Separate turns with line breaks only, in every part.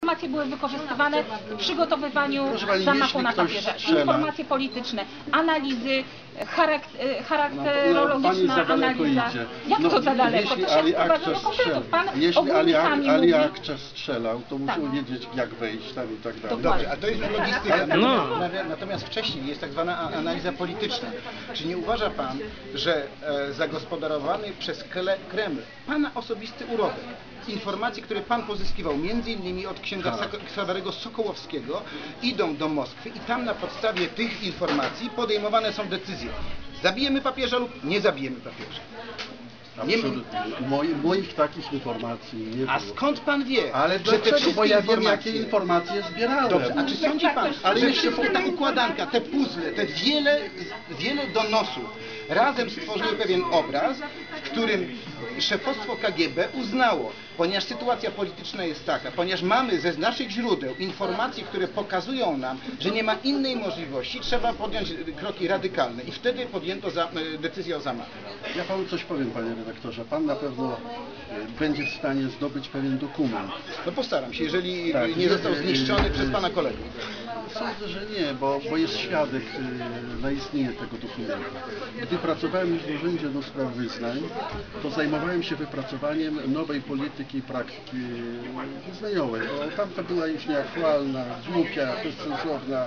Informacje były wykorzystywane w przygotowywaniu
pani,
zamachu na
ktoś
papierze.
strzela.
Informacje polityczne, analizy,
Pani
charakterologiczna
za daleko
analiza.
idzie.
Jak to za daleko? To się wprowadza do konkretów. Pan
jeśli
ogólnikami
Ali
mówi.
Akcze strzelał, to musiał
Tak.
wiedzieć, jak wejść tam i tak dalej.
Dobrze, a to jest logistyka.
No.
Natomiast wcześniej jest tak zwana analiza polityczna. Czy nie uważa Pan, że zagospodarowany przez Kreml Pana osobisty urobek, informacje, które Pan pozyskiwał między innymi od księdza Ksawerego Sokołowskiego, idą do Moskwy i tam na podstawie tych informacji podejmowane są decyzje. Zabijemy papieża lub nie zabijemy papieża.
Absolutnie. Moich takich informacji nie było.
A skąd Pan wie,
Ale
że te
dlaczego?
wszystkie
Bo ja wiem, jakie
informacje...
informacje zbierałem.
Dobrze, a czy sądzi Pan,
Ale
że
jeszcze
wszystko ta układanka, te puzzle, te wiele donosów razem stworzyły pewien obraz, w którym szefostwo KGB uznało, ponieważ sytuacja polityczna jest taka, ponieważ mamy ze naszych źródeł informacje, które pokazują nam, że nie ma innej możliwości, trzeba podjąć kroki radykalne i wtedy podjęto decyzję o zamachu.
Ja Panu coś powiem, Panie redaktorze. Pan na pewno będzie w stanie zdobyć pewien dokument.
No postaram się, jeżeli
Tak,
nie został zniszczony przez Pana kolegów.
Sądzę, że nie, bo jest świadek na istnienie tego dokumentu. Gdy pracowałem już w Urzędzie do Spraw Wyznań, to zajmowałem się wypracowaniem nowej polityki i praktyki wyznaniowej. Bo tamta była już nieaktualna, głupia, bezsensowna,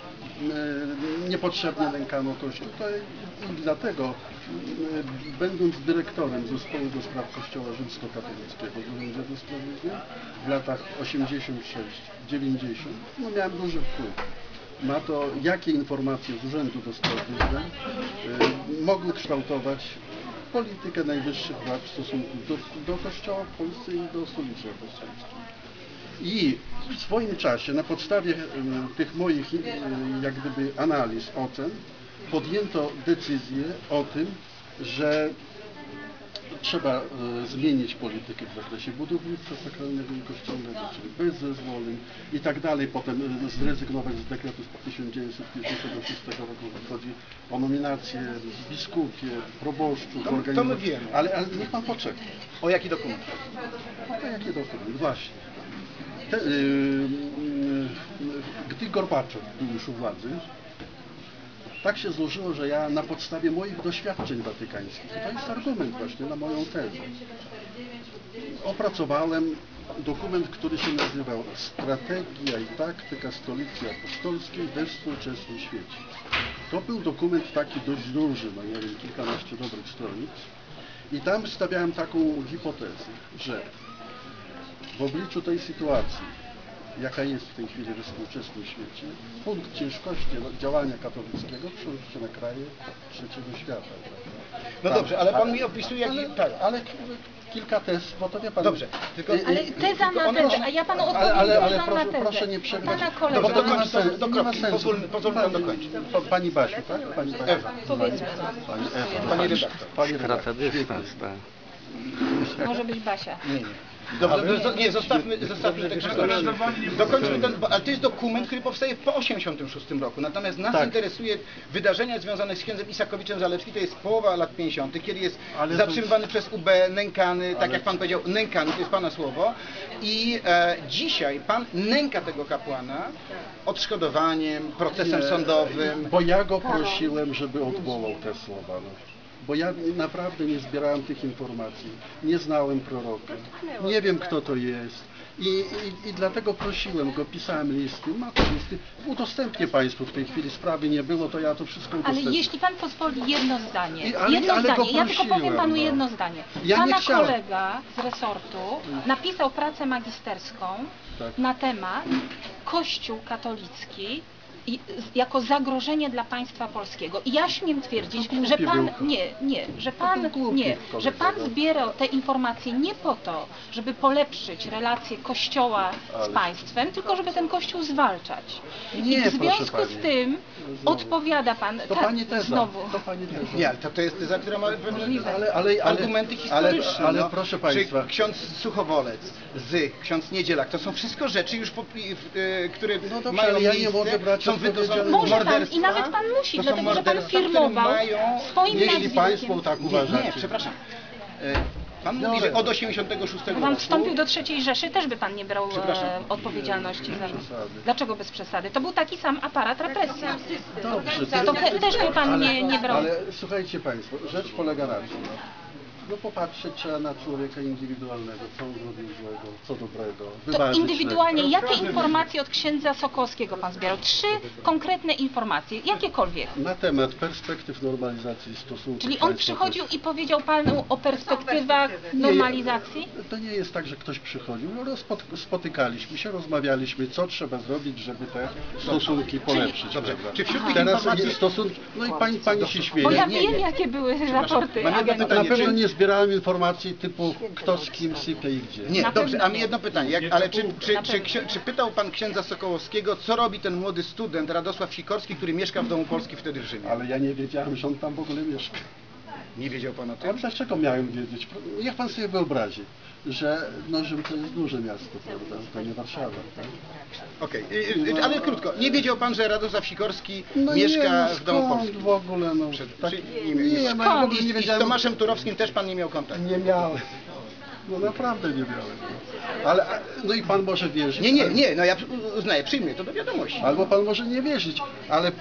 niepotrzebnie nękano Kościół. I dlatego, będąc dyrektorem Zespołu do Spraw Kościoła Rzymskokatolickiego w Urzędzie do Spraw Wyznań w latach 86-90, no miałem duży wpływ na to, jakie informacje z Urzędu do Spraw Wyznań mogły kształtować politykę najwyższych władz w stosunku do Kościoła w Polsce i do stolicy apostolskiej. I w swoim czasie, na podstawie tych moich jak gdyby analiz, ocen, podjęto decyzję o tym, że trzeba zmienić politykę w zakresie budownictwa sakralnego i kościelnego, czyli bez zezwoleń i tak dalej. Potem zrezygnować z dekretu z 1956 roku, chodzi o nominacje biskupie, proboszczów,
To my wiemy.
Ale niech Pan poczeka.
O jaki dokument?
O jaki dokument? Właśnie. Gdy Gorbaczow był już u władzy, tak się złożyło, że ja na podstawie moich doświadczeń watykańskich, to jest argument właśnie na moją tezę, opracowałem dokument, który się nazywał Strategia i taktyka Stolicy Apostolskiej we współczesnym świecie. To był dokument taki dość duży, no nie wiem, kilkanaście dobrych stronic i tam stawiałem taką hipotezę, że w obliczu tej sytuacji, jaka jest w tej chwili we współczesnym świecie, punkt ciężkości działania katolickiego przenosi się na kraje trzeciego świata.
No dobrze, ale Pan mi opisuje,
ale kilka tez, bo to wie Pan...
Dobrze, tylko...
Ale teza na tezę, a ja Panu odpowiem tezą na tezę.
Proszę nie przerywać.
Pana kolega...
Dobrze, do kropki, pozwól Pan
Pani,
dokończyć.
Pani Basiu, tak? Pani Basiu.
Ewa.
Powiedzmy,
Pani Ewa.
Pani redaktor.
Pani
Skraca
redaktor.
dystans, tak.
może być Basia.
Nie. Dobrze, nie, zostawmy te krzyżowanie. Dokończmy ten, ale to jest dokument, który powstaje po 1986 roku. Natomiast nas interesuje wydarzenia związane z księdzem Isakowiczem Zalewskim, to jest połowa lat 50., kiedy jest zatrzymywany przez UB, nękany, tak jak Pan powiedział, nękany, to jest Pana słowo. I dzisiaj Pan nęka tego kapłana odszkodowaniem, procesem sądowym.
Bo ja go prosiłem, żeby odwołał te słowa. No. Bo ja naprawdę nie zbierałem tych informacji, nie znałem proroka, nie wiem kto to jest i dlatego prosiłem go, pisałem listy, ma te listy, udostępnię Państwu w tej chwili, sprawy nie było, to ja to wszystko udostępnię.
Ale jeśli Pan pozwoli jedno zdanie,
ja
tylko powiem Panu jedno zdanie.
Ja nie
Pana
chciałem.
kolega z resortu napisał pracę magisterską na temat Kościół katolicki jako zagrożenie dla państwa polskiego. I ja śmiem twierdzić, że Pan że Pan zbierał te informacje nie po to, żeby polepszyć relacje Kościoła z państwem, tylko żeby ten Kościół zwalczać. I w związku z tym odpowiada Pan znowu.
Nie, ale to jest teza, która ma pewne
ale
argumenty historyczne.
Ale proszę Państwa.
Czy ksiądz Suchowolec, ksiądz Niedzielak, to są wszystko rzeczy już, które mają miejsce, są
może Pan i nawet Pan musi, dlatego że Pan firmował swoim nazwiskiem.
Jeśli Państwo tak uważacie.
Nie, przepraszam. Pan mówi, że od 86
Gdyby
roku...
pan wstąpił do III Rzeszy, też by pan nie brał odpowiedzialności za... Dlaczego bez przesady? To był taki sam aparat represji.
Dobrze,
To też by pan nie brał...
Ale słuchajcie Państwo, rzecz polega na tym, no popatrzeć trzeba na człowieka indywidualnego, co on zrobił złego, co dobrego,
To
wyważyć
indywidualnie,
resztę.
jakie informacje od księdza Sokołowskiego pan zbierał? 3 konkretne informacje, jakiekolwiek.
Na temat perspektyw normalizacji stosunków
Czyli on
państwa
przychodził i powiedział panu o perspektywach normalizacji?
To nie jest tak, że ktoś przychodził, no spotykaliśmy się, rozmawialiśmy, co trzeba zrobić, żeby te stosunki polepszyć.
Dobrze.
prawda?
Czy wśród tych
Teraz
informacji...
stosunki, no i pani się śmieje.
Bo ja
nie,
wiem,
nie.
jakie były raporty
mam jedno
agencji.
pytanie.
Na pewno
czy-
nie zbierałem informacji typu kto z kim sypie i gdzie.
Nie,
Na
dobrze,
pewno
a mi
nie.
jedno pytanie, ale czy pytał pan księdza Sokołowskiego, co robi ten młody student Radosław Sikorski, który mieszka w Domu Polski wtedy w Rzymie?
Ale ja nie wiedziałem, że on tam w ogóle mieszka.
Nie wiedział pan o
A
tym?
dlaczego miałem wiedzieć? Niech pan sobie wyobrazi, że Rzym to jest duże miasto, prawda? To nie Warszawa. Tak?
Okej, ale krótko, nie wiedział pan, że Radosław Sikorski
No
mieszka
nie,
w Domu
skąd
Polskim?
w ogóle, no.
Czy
nie, no,
Skąd?
nie
I z
wiedziałem.
Tomaszem Turowskim też pan nie miał kontaktu?
Nie miałem. No naprawdę nie miałem. Ale, no i pan może wierzyć.
Nie, no ja uznaję, przyjmuję to do wiadomości.
Albo pan może nie wierzyć, ale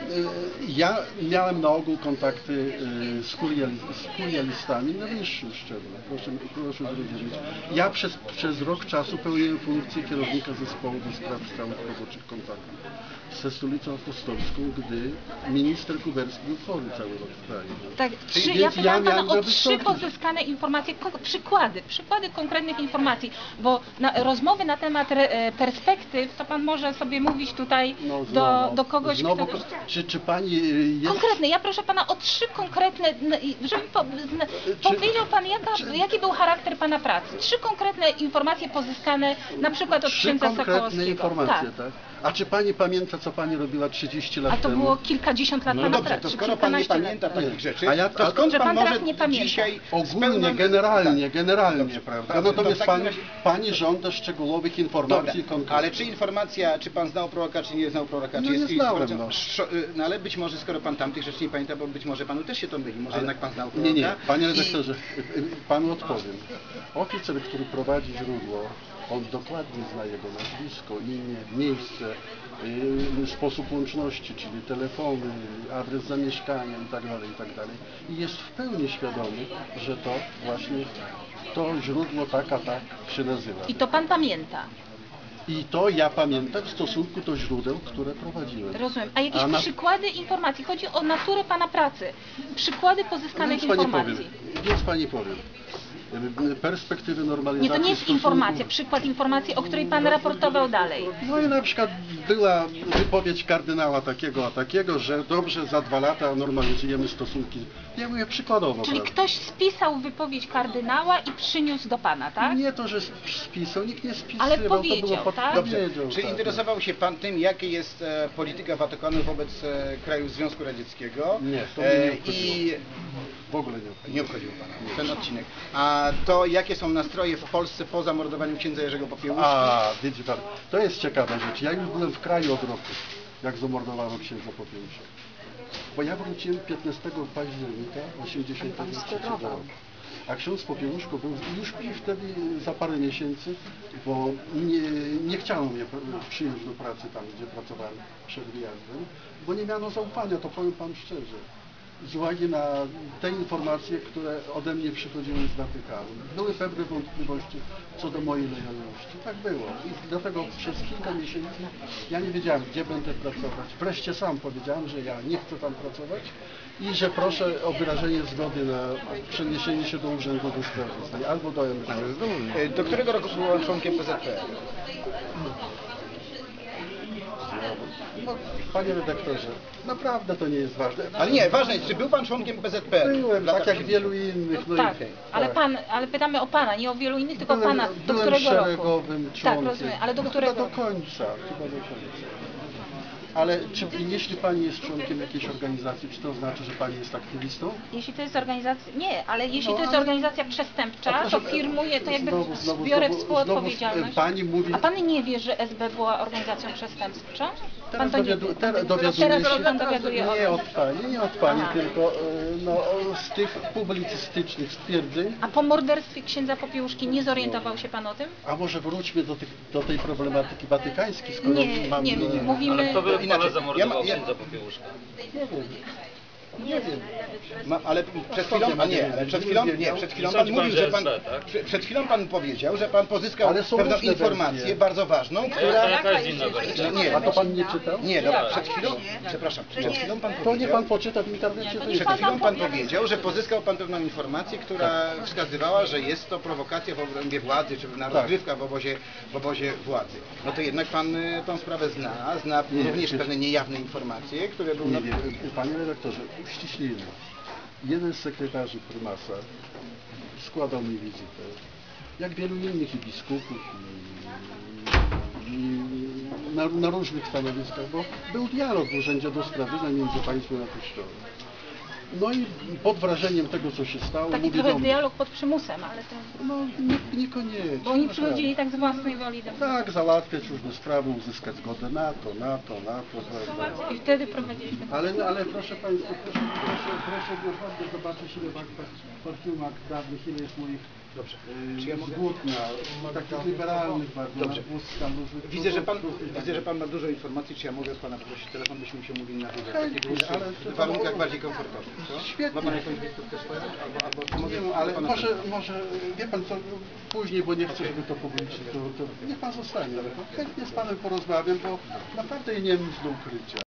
ja miałem na ogół kontakty z kurialistami na wyższym szczeblu. Proszę zrozumieć. Ja przez rok czasu pełniłem funkcję kierownika zespołu do spraw stałych roboczych kontaktów ze Stolicą Apostolską, gdy minister Kuberski był chory cały rok w kraju.
Tak,
Więc
ja pytałam pana
miałem
o
go
3
wystąpić.
pozyskane informacje, przykłady konkretnych informacji, bo rozmowy na temat perspektyw, to pan może sobie mówić tutaj do kogoś,
znowu,
kto...
czy pani jest...
Konkretne, ja proszę pana o 3 konkretne, żeby powiedział pan, jaki był charakter pana pracy. 3 konkretne informacje pozyskane na przykład od
3
księdza
konkretne
Sokołowskiego.
informacje, tak? A czy pani pamięta, co pani robiła 30 lat
A to
temu?
było kilkadziesiąt lat
No
pana
dobrze,
pracy.
to
czy
skoro pan nie
kilkanaście
pamięta
lat.
takich rzeczy,
A ja-
to skąd
że
pan
pan
może
teraz nie pamięta.
dzisiaj
Ogólnie, generalnie, prawda?
Dobrze,
Natomiast
to w takim razie-
pani żąda szczegółowych
Dobra,
informacji konkretnych.
ale czy informacja, czy pan znał proroka, czy nie znał proroka,
No
czy
nie
jest
znałem,
informacją... No ale być może, skoro pan tamtych rzeczy nie pamięta, bo być może panu też się to myli, może jednak pan znał proroka.
Nie, panie
I-
redaktorze, panu odpowiem. Oficer, który prowadzi źródło, on dokładnie zna jego nazwisko, imię, miejsce, sposób łączności, czyli telefony, adres zamieszkania itd. I jest w pełni świadomy, że to właśnie to źródło tak się nazywa.
I to pan pamięta.
I to ja pamiętam w stosunku do źródeł, które prowadziłem.
Rozumiem. A jakieś przykłady informacji? Chodzi o naturę pana pracy. Przykłady pozyskanych informacji.
Więc pani powiem. Perspektywy normalizacji
Nie, to nie jest
stosunków-
informacja, przykład informacji, o której pan raportował dalej.
No i na przykład była wypowiedź kardynała takiego a takiego, że dobrze, za 2 lata normalizujemy stosunki. Ja mówię przykładowo.
Czyli
prawda?
ktoś spisał wypowiedź kardynała i przyniósł do pana, tak?
Nie to, że spisał, nikt nie spisywał,
Ale
to
powiedział,
było
tak?
Dobrze,
powiedział,
czy
tak.
interesował się pan tym, jaka jest polityka Watykanu wobec krajów Związku Radzieckiego?
Nie, to mnie nie
I
W ogóle nie.
nie obchodził pana ten odcinek. A to, jakie są nastroje w Polsce po zamordowaniu księdza Jerzego Popiełuszki?
A, wiecie pan, to jest ciekawa rzecz. Ja już byłem w kraju od roku, jak zamordowano księdza Popiełuszka. Bo ja wróciłem 15 października 1983 roku. A ksiądz Popiełuszko był już wtedy za parę miesięcy, bo nie chciano mnie przyjąć do pracy tam, gdzie pracowałem przed wyjazdem, bo nie miano zaufania, to powiem pan szczerze. Z uwagi na te informacje, które ode mnie przychodziły z Watykanu. Były pewne wątpliwości co do mojej lojalności. Tak było. I dlatego przez kilka miesięcy ja nie wiedziałem, gdzie będę pracować. Wreszcie sam powiedziałem, że ja nie chcę tam pracować i że proszę o wyrażenie zgody na przeniesienie się do Urzędu do Spraw Zagranicznych albo do MSZ.
Do którego roku był pan członkiem PZPR?
No, panie redaktorze, naprawdę to nie jest ważne.
Ale nie, ważne jest, czy był pan członkiem PZPR?
Byłem,
w latach
tak jak
70.
wielu innych. No
Tak,
i,
ale ale pytamy o pana, nie o wielu innych, tylko
Byłem-
pana. Do
byłem
którego roku?
szeregowym
Tak,
członkiem.
rozumiem, ale do
Chyba
którego
do
roku?
końca, Ale jeśli pani jest członkiem jakiejś organizacji, czy to znaczy, że pani jest aktywistą?
Jeśli to jest organizacja, nie, ale jeśli
No,
to jest
ale-
organizacja
A
przestępcza,
proszę,
to firmuje, to jakby biorę
znowu,
współodpowiedzialność.
pani mówi...
A pan nie wie, że SB była organizacją przestępczą? Pan to nie wie.
dowiaduje
Teraz
się,
pan dowiaduje o tym.
nie od Pani,
Aha.
tylko z tych publicystycznych stwierdzeń.
A po morderstwie księdza Popiełuszki nie zorientował się pan o tym?
A może wróćmy do tej problematyki watykańskiej, skoro
Nie, mówimy...
Ale kto by pana
Inaczej,
zamordował
ja-
księdza Popiełuszka?
Nie wiem.
Ale przed chwilą, przed chwilą pan
Sądzi
mówił,
pan,
że
że
pan,
jest tak?
przed chwilą pan powiedział, że pan pozyskał
Ale są
pewną
różne
informację
wersje.
bardzo ważną,
A
która...
jaka jest inna wersja?
Nie,
A to Pan nie czytał?
nie, no, przed chwilą, przepraszam, przed chwilą pan
To nie
powiedział...
Pan poczyta w internecie.
Nie, to
to
nie
jest-
Przed chwilą pan powiedział, że pozyskał pan pewną informację, która wskazywała, że jest to prowokacja w obrębie władzy, czy na rozgrywka w obozie władzy. No to jednak pan tą sprawę zna również pewne niejawne informacje, które były...
Nie wiem, Panie redaktorze, uściślimy. Jeden z sekretarzy prymasa składał mi wizytę, jak wielu innych i biskupów, i na różnych stanowiskach, bo był dialog w Urzędzie do Spraw Wyznań między państwem a Kościołem. No i pod wrażeniem tego, co się stało,
Taki
mówię do
trochę
mnie,
dialog pod przymusem, ale to...
no niekoniecznie.
Bo oni
naprawdę.
przychodzili tak z własnej woli do mnie.
Tak, załatwiać różne sprawy, uzyskać zgodę na to, prawda.
I wtedy prowadziliśmy...
Ale proszę Państwa, proszę dokładnie zobaczyć, ile w aktach Fortium dawnych, ile jest moich zgód na takich liberalnych bardzo,
Dobrze.
na wózkach różnych
Widzę, że
produktów i tak
widzę, że pan ma dużo informacji, czy ja mogę od pana poprosić telefon, byśmy się mówili na wywiad,
Chętnie,
taki dłuższy,
ale
w warunkach bardziej komfortowych, co?
Świetnie.
Ma pan jakąś wizytówkę swoją? Albo
Nie
mogę
wiem, ale
pana
może, wie Pan co, później, bo nie chcę, żeby to publicznie, to niech Pan zostanie, ale chętnie z Panem porozmawiam, bo naprawdę nie mam nic do ukrycia.